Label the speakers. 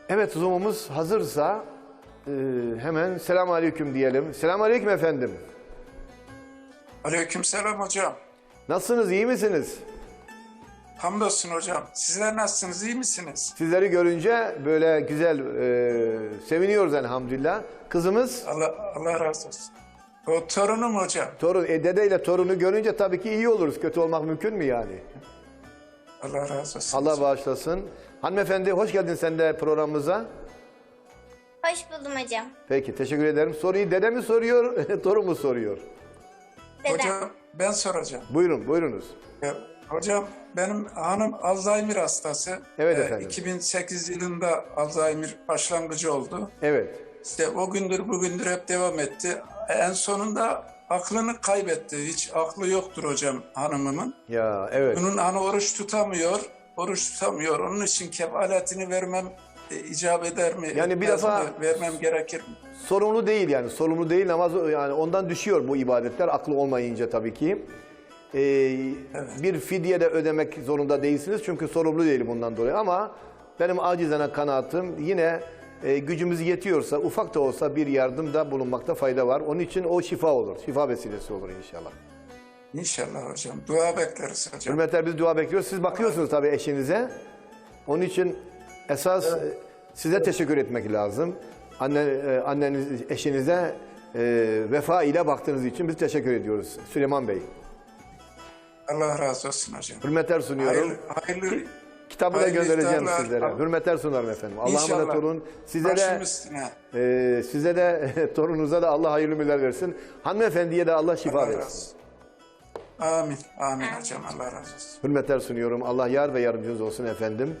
Speaker 1: Evet, Zoom'umuz hazırsa hemen selamünaleyküm diyelim. Selamünaleyküm efendim.
Speaker 2: Aleykümselam hocam.
Speaker 1: Nasılsınız, iyi misiniz?
Speaker 2: Hamdolsun hocam. Sizler nasılsınız, iyi misiniz?
Speaker 1: Sizleri görünce böyle güzel seviniyoruz elhamdülillah. Kızımız,
Speaker 2: Allah razı olsun. O torunum hocam.
Speaker 1: torun, dedeyle torunu görünce tabii ki iyi oluruz. Kötü olmak mümkün mü yani?
Speaker 2: Allah razı olsun.
Speaker 1: Allah bağışlasın. Hanımefendi hoş geldin sen de programımıza.
Speaker 3: Hoş buldum hocam.
Speaker 1: Peki, teşekkür ederim. Soruyu dede mi soruyor, torun mu soruyor?
Speaker 3: Dedem.
Speaker 2: Hocam ben soracağım.
Speaker 1: Buyurun, buyurunuz.
Speaker 2: Hocam benim hanım Alzheimer hastası.
Speaker 1: Evet efendim.
Speaker 2: 2008 yılında Alzheimer başlangıcı oldu.
Speaker 1: Evet.
Speaker 2: İşte o gündür bugündür hep devam etti. En sonunda aklını kaybetti. Hiç aklı yoktur hocam hanımımın.
Speaker 1: Ya evet.
Speaker 2: Bunun hani oruç tutamıyor. Onun için kefaletini vermem icap eder mi?
Speaker 1: Yani bir defa
Speaker 2: vermem gerekir mi?
Speaker 1: sorumlu değil yani. Sorumlu değil ama yani ondan düşüyor bu ibadetler aklı olmayınca tabii ki. Bir fidye de ödemek zorunda değilsiniz çünkü sorumlu değil bundan dolayı ama benim acizane kanaatim yine gücümüz yetiyorsa ufak da olsa bir yardımda bulunmakta fayda var. Onun için o şifa olur. Şifa vesilesi olur inşallah.
Speaker 2: İnşallah hocam. Dua bekleriz hocam.
Speaker 1: Hürmetler biz dua bekliyoruz. Siz bakıyorsunuz tabii eşinize. Onun için esas size teşekkür etmek lazım. Anneniz, eşinize vefa ile baktığınız için biz teşekkür ediyoruz. Süleyman Bey.
Speaker 2: Allah razı olsun hocam.
Speaker 1: Hürmetler sunuyorum.
Speaker 2: Hayırlı
Speaker 1: Kitabı da
Speaker 2: hayırlı
Speaker 1: göndereceğim
Speaker 2: iftarlar.
Speaker 1: sizlere. Hürmetler sunarım efendim. Allah'a
Speaker 2: İnşallah.
Speaker 1: emanet olun.
Speaker 2: Başım üstüne.
Speaker 1: Size de torununuza da Allah hayırlı ömürler versin. Hanımefendiye de Allah şifa
Speaker 2: Allah razı
Speaker 1: versin.
Speaker 2: olsun. Amin. Amin hocam. Allah razı olsun.
Speaker 1: Hürmetler sunuyorum. Allah yar ve yardımcınız olsun efendim.